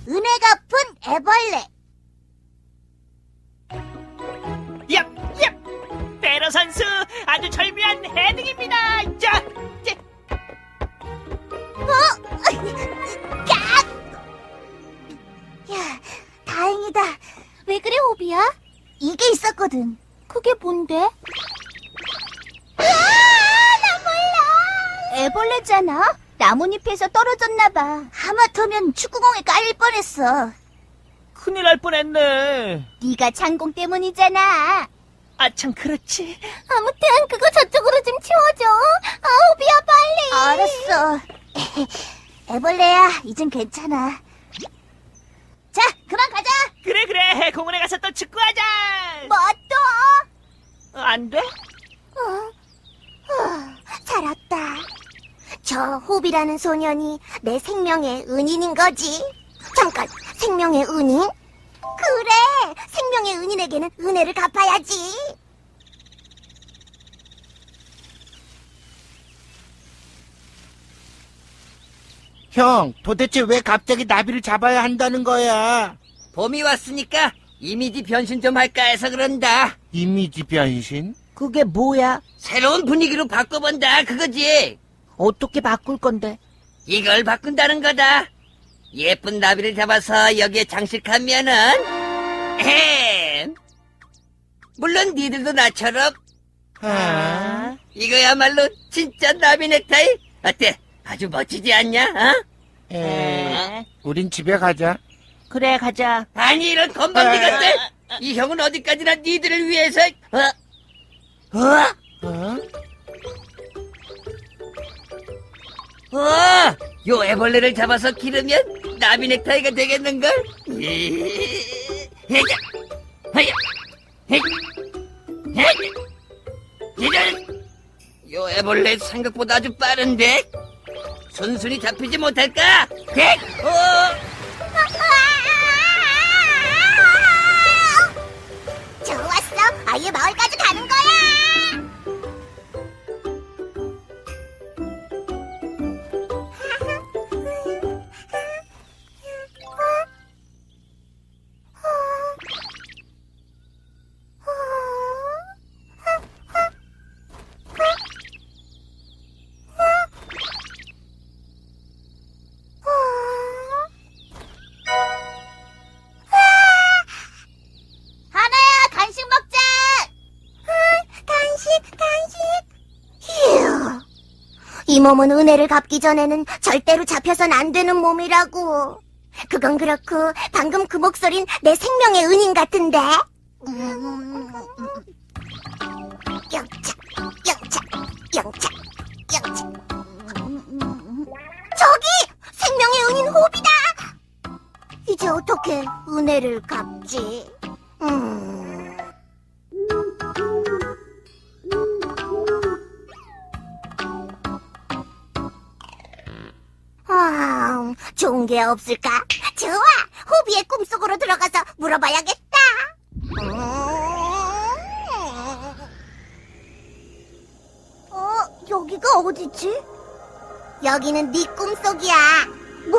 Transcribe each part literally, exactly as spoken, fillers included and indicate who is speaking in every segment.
Speaker 1: 은혜 갚은 애벌레.
Speaker 2: 얍, 얍! 베러 선수 아주 절묘한 헤딩입니다. 자, 자.
Speaker 1: 깍! 야, 다행이다. 왜 그래, 호비야? 이게 있었거든. 그게 뭔데? 으아! 나 몰라! 애벌레잖아. 나뭇잎에서 떨어졌나봐. 하마터면 축구공에 깔릴 뻔했어.
Speaker 2: 큰일 날 뻔했네.
Speaker 1: 네가 장공 때문이잖아.
Speaker 2: 아, 참 그렇지.
Speaker 1: 아무튼 그거 저쪽으로 좀 치워줘. 아, 호비야, 빨리. 알았어. 애벌레야, 이젠 괜찮아. 자, 그만 가자.
Speaker 2: 그래, 그래. 공원에 가서 또 축구하자.
Speaker 1: 뭐 또?
Speaker 2: 어, 안 돼?
Speaker 1: 어, 어, 살았다. 저 호비라는 소년이 내 생명의 은인인 거지. 잠깐, 생명의 은인? 그래, 생명의 은인에게는 은혜를 갚아야지.
Speaker 3: 형, 도대체 왜 갑자기 나비를 잡아야 한다는 거야?
Speaker 4: 봄이 왔으니까 이미지 변신 좀 할까 해서 그런다.
Speaker 3: 이미지 변신?
Speaker 5: 그게 뭐야?
Speaker 4: 새로운 분위기로 바꿔본다 그거지.
Speaker 5: 어떻게 바꿀 건데?
Speaker 4: 이걸 바꾼다는 거다. 예쁜 나비를 잡아서 여기에 장식하면은 햄. 물론 니들도 나처럼
Speaker 3: 아,
Speaker 4: 이거야말로 진짜 나비 넥타이. 어때? 아주 멋지지 않냐? 어?
Speaker 3: 에, 우린 집에 가자.
Speaker 5: 그래, 가자.
Speaker 4: 아니 이런 건방지 것들. 이 형은 어디까지나 니들을 위해서 어? 어?
Speaker 3: 어?
Speaker 4: 어, 요 애벌레를 잡아서 기르면 나비 넥타이가 되겠는걸? 헤자, 헤야, 헤, 헤, 이런, 요 애벌레 생각보다 아주 빠른데? 순순히 잡히지 못할까? 헤, 어,
Speaker 1: 좋았어, 아예 마을까지 가는 거야. 하나야, 간식 먹자. 간식, 간식. 휴. 이 몸은 은혜를 갚기 전에는 절대로 잡혀선 안 되는 몸이라고. 그건 그렇고 방금 그 목소린 내 생명의 은인 같은데. 음. 영차, 영차, 영차, 영차. 저기 생명의 은인 호비다. 이제 어떻게 은혜를 갚지? 음. 아, 좋은 게 없을까? 좋아! 호비의 꿈속으로 들어가서 물어봐야겠다. 음. 어, 여기가 어디지? 여기는 네 꿈속이야. 뭐?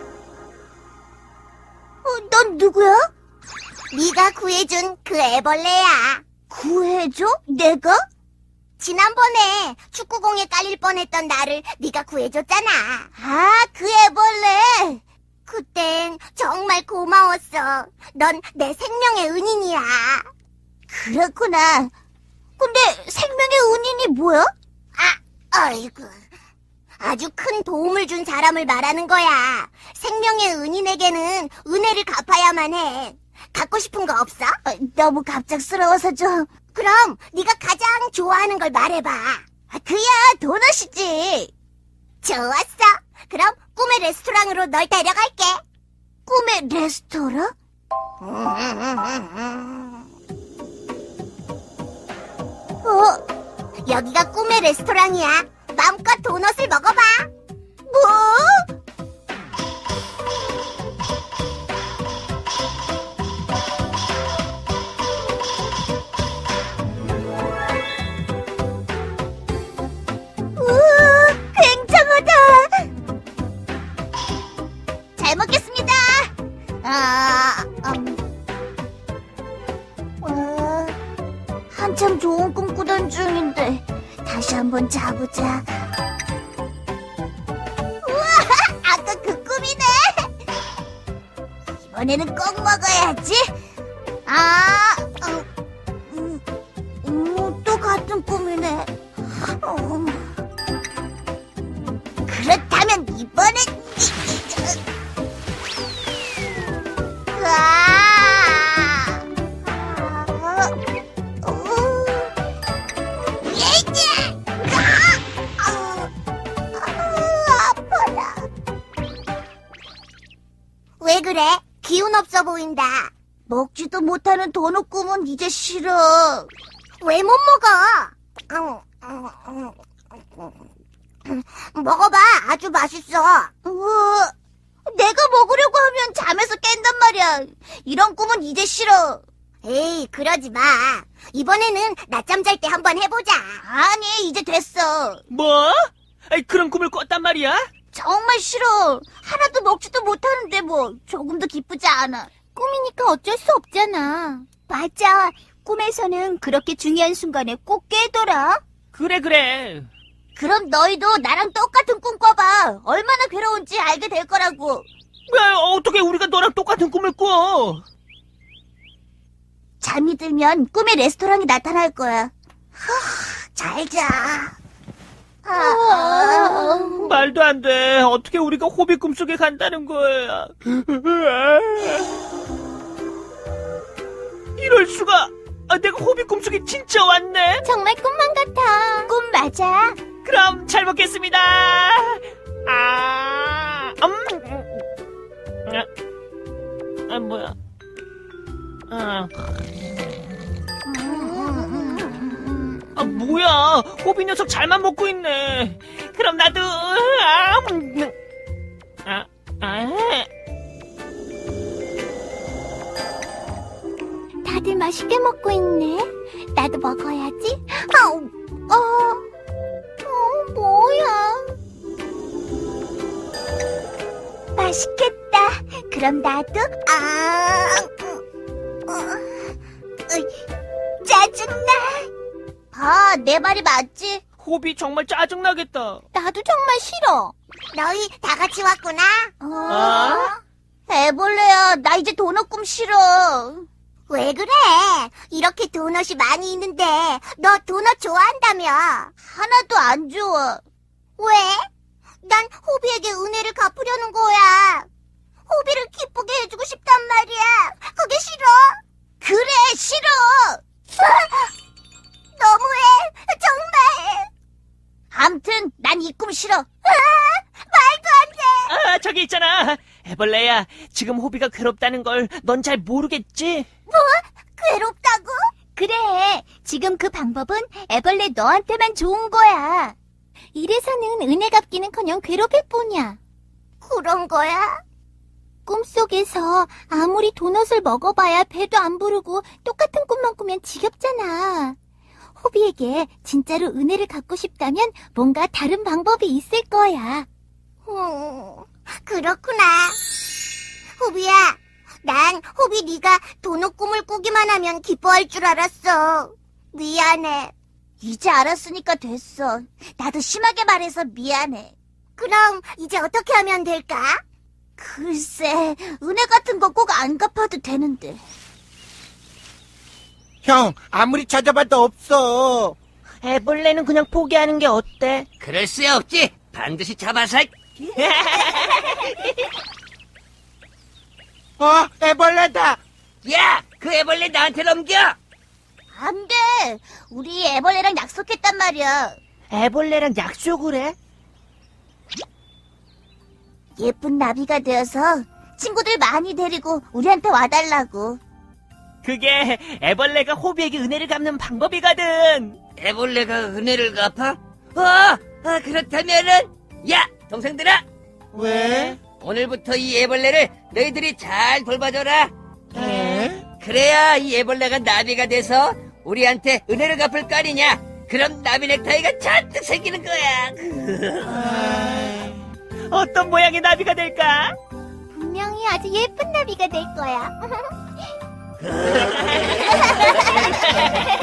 Speaker 1: 어, 넌 누구야? 네가 구해준 그 애벌레야. 구해줘? 내가? 지난번에 축구공에 깔릴 뻔했던 나를 네가 구해줬잖아. 아, 그 애벌레. 그땐 정말 고마웠어. 넌 내 생명의 은인이야. 그렇구나. 근데 생명의 은인이 뭐야? 아, 아이고. 아주 큰 도움을 준 사람을 말하는 거야. 생명의 은인에게는 은혜를 갚아야만 해. 갖고 싶은 거 없어? 어, 너무 갑작스러워서 좀. 그럼 네가 가장 좋아하는 걸 말해봐. 아, 그야 도넛이지. 좋았어. 그럼 꿈의 레스토랑으로 널 데려갈게. 꿈의 레스토랑? 어, 여기가 꿈의 레스토랑이야. 마음껏 도넛을 먹어봐. 뭐? 우와, 굉장하다. 잘 먹겠습니다. 아, 음. 어, 한참 좋은 꿈 꾸던 중인데 다시 한번 자보자. 우와, 아까 그 꿈이네. 이번에는 꼭 먹어야지. 아, 어, 음, 음, 또 같은 꿈이네. 어, 그렇다면 이번엔 으아! 어, 어, 예이지! 아! 아, 아, 아파라. 왜 그래? 기운 없어 보인다. 먹지도 못하는 도넛 꿈은 이제 싫어. 왜 못 먹어? 먹어봐. 아주 맛있어. 우와, 내가 먹으려고 하면 잠에서 깬단 말이야. 이런 꿈은 이제 싫어. 에이, 그러지 마. 이번에는 낮잠 잘 때 한번 해보자. 아니, 이제 됐어.
Speaker 2: 뭐? 아이, 그런 꿈을 꿨단 말이야?
Speaker 1: 정말 싫어. 하나도 먹지도 못하는데 뭐 조금도 기쁘지 않아. 꿈이니까 어쩔 수 없잖아. 맞아. 꿈에서는 그렇게 중요한 순간에 꼭 깨더라.
Speaker 2: 그래, 그래.
Speaker 1: 그럼 너희도 나랑 똑같은 꿈 꿔봐. 얼마나 괴로운지 알게 될 거라고.
Speaker 2: 왜, 어떻게 우리가 너랑 똑같은 꿈을 꿔?
Speaker 1: 잠이 들면 꿈에 레스토랑이 나타날 거야. 하, 잘 자. 아, 아.
Speaker 2: 말도 안 돼. 어떻게 우리가 호비 꿈속에 간다는 거야. 이럴 수가. 아, 내가 호비 꿈속에 진짜 왔네.
Speaker 1: 정말 꿈만 같아. 꿈 맞아.
Speaker 2: 그럼 잘 먹겠습니다. 아, 음. 아, 아 뭐야? 아, 아 뭐야? 호비 녀석 잘만 먹고 있네. 그럼 나도. 아, 음. 아, 아.
Speaker 1: 다들 맛있게 먹고 있네. 나도 먹어야지. 아우, 어, 어, 뭐야? 맛있겠다. 그럼 나도. 아, 어, 어, 짜증나. 아, 내 말이 맞지?
Speaker 2: 호비 정말 짜증나겠다.
Speaker 1: 나도 정말 싫어. 너희 다 같이 왔구나. 어?
Speaker 2: 아?
Speaker 1: 애벌레야, 나 이제 도넛 꿈 싫어. 왜 그래? 이렇게 도넛이 많이 있는데 너 도넛 좋아한다며? 하나도 안 좋아. 왜? 난 호비에게 은혜를 갚으려는 거야. 호비를 기쁘게 해주고 싶단 말이야. 그게 싫어? 그래, 싫어. 너무해, 정말. 암튼 난 이 꿈 싫어. 아, 말도 안 돼.
Speaker 2: 아, 저기 있잖아. 애벌레야, 지금 호비가 괴롭다는 걸 넌 잘 모르겠지?
Speaker 1: 뭐? 괴롭다고? 그래. 지금 그 방법은 애벌레 너한테만 좋은 거야. 이래서는 은혜 갚기는커녕 괴롭힐 뿐이야. 그런 거야? 꿈속에서 아무리 도넛을 먹어봐야 배도 안 부르고 똑같은 꿈만 꾸면 지겹잖아. 호비에게 진짜로 은혜를 갚고 싶다면 뭔가 다른 방법이 있을 거야. 음, 그렇구나. 호비야, 난 호비 네가 도넛 꿈을 꾸기만 하면 기뻐할 줄 알았어. 미안해. 이제 알았으니까 됐어. 나도 심하게 말해서 미안해. 그럼 이제 어떻게 하면 될까? 글쎄, 은혜 같은 거 꼭 안 갚아도 되는데.
Speaker 3: 형, 아무리 찾아봐도 없어.
Speaker 5: 애벌레는 그냥 포기하는 게 어때?
Speaker 4: 그럴 수 없지. 반드시 잡아서.
Speaker 3: 어, 애벌레다.
Speaker 4: 야, 그 애벌레 나한테 넘겨.
Speaker 1: 안 돼. 우리 애벌레랑 약속했단 말이야.
Speaker 5: 애벌레랑 약속을 해?
Speaker 1: 예쁜 나비가 되어서 친구들 많이 데리고 우리한테 와달라고.
Speaker 2: 그게 애벌레가 호비에게 은혜를 갚는 방법이거든.
Speaker 4: 애벌레가 은혜를 갚아? 어, 아, 그렇다면은, 야, 동생들아,
Speaker 3: 왜?
Speaker 4: 오늘부터 이 애벌레를 너희들이 잘 돌봐줘라.
Speaker 3: 에?
Speaker 4: 그래야 이 애벌레가 나비가 돼서 우리한테 은혜를 갚을 거 아니냐. 그럼 나비 넥타이가 잔뜩 생기는 거야.
Speaker 2: 어떤 모양의 나비가 될까?
Speaker 1: 분명히 아주 예쁜 나비 나비가 될 거야.